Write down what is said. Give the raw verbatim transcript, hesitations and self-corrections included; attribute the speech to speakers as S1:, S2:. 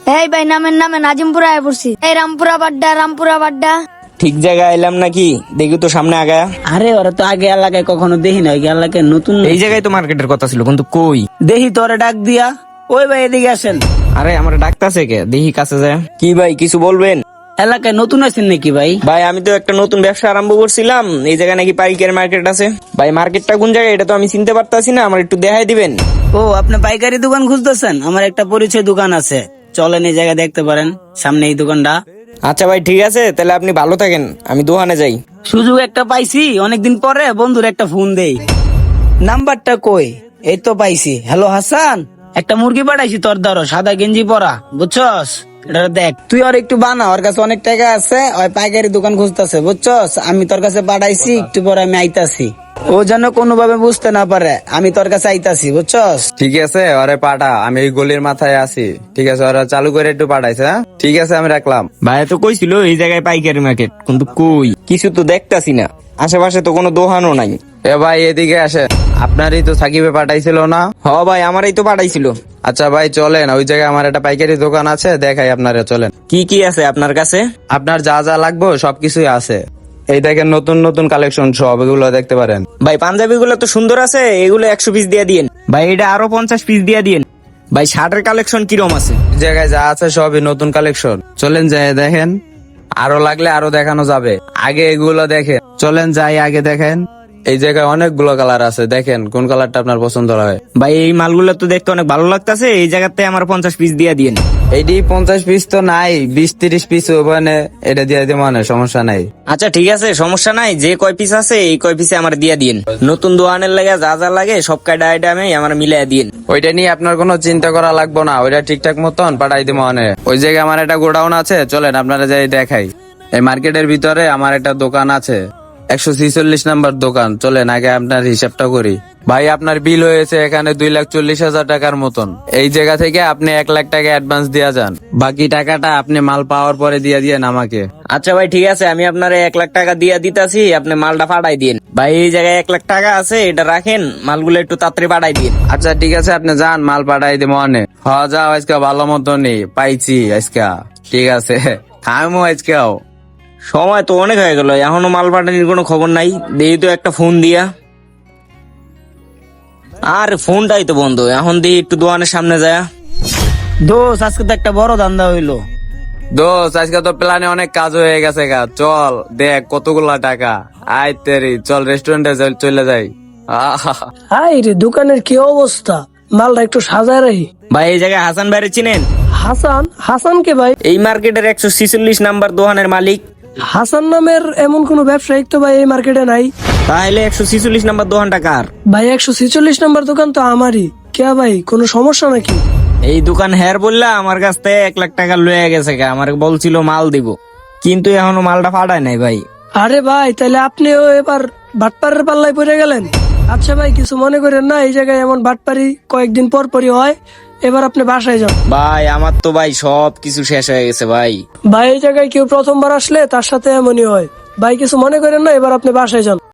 S1: এই ভাই নামেন নামেন আজিমপুরা আয় পড়ছি। এই রামপুরা বাড্ডা রামপুরা বাড্ডা।
S2: ঠিক জায়গায় এলাম নাকি? দেখি তো সামনে আগায়া।
S3: আরে ওরা তো আগে এলাকায় কখনো দেখি না, এই এলাকায় নতুন।
S2: এই জায়গায় তো মার্কেটের কথা ছিল, কিন্তু কই?
S3: দেখি তোরে ডাক দিয়া। ওই ভাই এদিকে আসেন।
S2: আরে আমার ডাকতাছে কে? দেখি কাছে যায়। কি ভাই কিছু বলবেন?
S3: এলাকায় নতুন আছেন নাকি ভাই?
S2: ভাই আমি তো একটা নতুন ব্যবসা আরম্ভ করছিলাম, এই জায়গায় নাকি পাইকারি মার্কেট আছে। ভাই মার্কেটটা কোন জায়গায় এটা তো আমি চিনতে পারতাছি না, আমার একটু দেখাই দিবেন?
S3: ও আপনি পাইকারি দোকান খুঁজতেছেন? আমার একটা পরিচয় দোকান আছে, চলেন এই জায়গায় দেখতে পারেন, সামনে এই দোকানটা।
S2: আচ্ছা ভাই ঠিক আছে, তাহলে আপনি ভালো থাকেন, আমি দোকানে যাই।
S3: সুযোগ একটা পাইছি, অনেকদিন পরে বন্ধুর একটা ফোন দেই। নাম্বারটা কই? এই তো পাইছি। হ্যালো হাসান, একটা মুরগি পাঠাইছি তোর ধরো, সাদা গেঞ্জি পরা, বুঝছস? এটা দেখ, তুই আর একটু বানা, ওর কাছে অনেক টাকা আছে, ওই পাইকারি দোকান খুঁজতেছে, বুঝছস? আমি তোর কাছে পাঠাইছি, একটু পরে আমি আইতাছি। ও যেন কোনোভাবে বুঝতে না পারে আমি তোর কাছে আইতাছি, বুঝছস?
S4: ঠিক আছে, ওরে পাঠা, আমি এই গলির মাথায় আছি। ঠিক আছে, ওরা চালু করে একটু পাঠাইছে। হ্যাঁ? ঠিক আছে, আমি রাখলাম।
S2: ভাই তো কইছিল এই জায়গায় পাইকারি মার্কেট, কিন্তু কই কিছু তো দেখতাছি না, আশেপাশে তো কোনো দোকানও নাই।
S4: এ ভাই এদিকে আসে, আপনারই তো সাকিবে পাঠাইছিল না?
S2: হ ভাই আমারই তো পাঠাইছিল।
S4: আচ্ছা ভাই চলেন, ওই জায়গায় আমার একটা পাইকারি দোকান আছে, দেখাই আপনারা, চলেন।
S2: কি কি আছে আপনার কাছে?
S4: আপনার যা যা লাগবে সবকিছুই আছে। এই দেখেন নতুন নতুন কালেকশন সব, এগুলো দেখতে পারেন।
S2: ভাই পাঞ্জাবি গুলো তো সুন্দর আছে, এগুলো একশো পিস দিয়ে দিয়েন। ভাই এটা আরো পঞ্চাশ পিস দিয়ে দিয়েন। ভাই শার্টের কালেকশন কিরম আছে?
S4: এই জায়গায় যা আছে সবই নতুন কালেকশন, চলেন যাই দেখেন। আরো লাগলে আরো দেখানো যাবে, আগে এগুলো দেখেন। চলেন যাই আগে দেখেন। এই জায়গায় অনেকগুলো কালার আছে, দেখেন কোন কালারটা আপনার পছন্দ হয়।
S2: ভাই এই মালগুলো তো দেখতে অনেক ভালো লাগতেছে, এই জায়গাতে আমার পঞ্চাশ পিস দিয়ে দিয়েন।
S4: এইটি পঞ্চাশ পিস তো নাই, বিশ তিরিশ পিস ওখানে, এটা দিয়ে দিব, মানে সমস্যা নাই।
S2: আচ্ছা ঠিক আছে, সমস্যা নাই, যে কয় পিস আছে এই কয় পিসে আমার দিয়ে দিয়েন। নতুন দোকানের লাগে যা যা লাগে সব কয়টা আইটেমে আমার মিলাই দিয়েন।
S4: ওইটা নিয়ে আপনার কোনো চিন্তা করা লাগবে না, ওইটা ঠিকঠাক মতন পাঠাই দিব। মানে ওই জায়গায় আমার একটা গোডাউন আছে, চলেন আপনারা যাই দেখাই। এই মার্কেটের ভিতরে আমার একটা দোকান আছে, একশো ছিচল্লিশ নাম্বার দোকান। চলেন আগে আপনার হিসাবটা করি। ভাই আপনার বিল হয়েছে এখানে দুই লাখ চল্লিশ হাজার টাকার মতন। এই জায়গা থেকে আপনি এক লাখ টাকা অ্যাডভান্স দিয়ে যান, বাকি টাকাটা আপনি মাল পাওয়ার পরে দিয়ে দিয়েন আমাকে।
S2: আচ্ছা ভাই ঠিক আছে, আমি আপনার এক লাখ টাকা দিয়ে দিতাছি, আপনি মালটা পাঠাই দিন। ভাই এই জায়গায় এক লাখ টাকা আছে, এটা রাখেন, মালগুলো একটু তাড়াতাড়ি পাঠাই দিন।
S4: আচ্ছা ঠিক আছে, আপনি যান, মাল পাঠাই দিব। অনে হ যাও, আজকে ভালো মতনই পাইছি আজকে। ঠিক আছে, খামো আজকেও।
S2: সময় তো অনেক হয়ে গেল, এখনো মাল পাঠানোর কোনো খবর নাই। দেই তো একটা ফোন দিয়া। আর ফোনটাই তো বন্ধ, এখন দিই একটু দোকানের সামনে যায়।
S3: দোষ, আজকে তো একটা বড় ধান্দা হইলো।
S4: দোস্ত আজকে তো প্ল্যানে অনেক কাজ হয়ে গেছে গা, চল দেখ কতগুলা টাকা। আয় তেরি, চল রেস্টুরেন্টে চলে যাই। আহা,
S5: হাই রে, দোকানের কি অবস্থা, মালটা একটু সাজায় রাখি।
S2: ভাই এই জায়গায় হাসান ভাইরে চিনেন?
S5: হাসান? হাসান কে ভাই?
S2: এই মার্কেটের একশো ছিচল্লিশ নাম্বার দোকানের মালিক।
S5: হাসান নামের এমন কোন ব্যবসায়িক তো ভাই এই মার্কেটে নাই।
S2: তাহলে একশো ছিচল্লিশ নাম্বার দোকানটা কার?
S5: ভাই একশো ছিচল্লিশ নাম্বার দোকান তো আমারই। কে ভাই, কোনো সমস্যা নাকি?
S2: এই দোকান হ্যার বললা আমার কাছ থেকে এক লাখ টাকা লয়ে গেছে, আমার বলছিল মাল দিব, কিন্তু এখনো মালটা পাঠায় নাই ভাই।
S5: আরে ভাই, তাহলে আপনিও এবার বাটপারের পাল্লায় পড়ে গেলেন। আচ্ছা ভাই, কিছু মনে করেন না, এই জায়গায় এমন বাটপারি কয়েকদিন পর পরই হয়। এবার আপনি বাসায় যান।
S2: ভাই আমার তো ভাই সব কিছু শেষ হয়ে গেছে ভাই।
S5: ভাই এই জায়গায় কেউ প্রথমবার আসলে তার সাথে এমনই হয়। ভাই কিছু মনে করেন না, এবার আপনি বাসায় যান।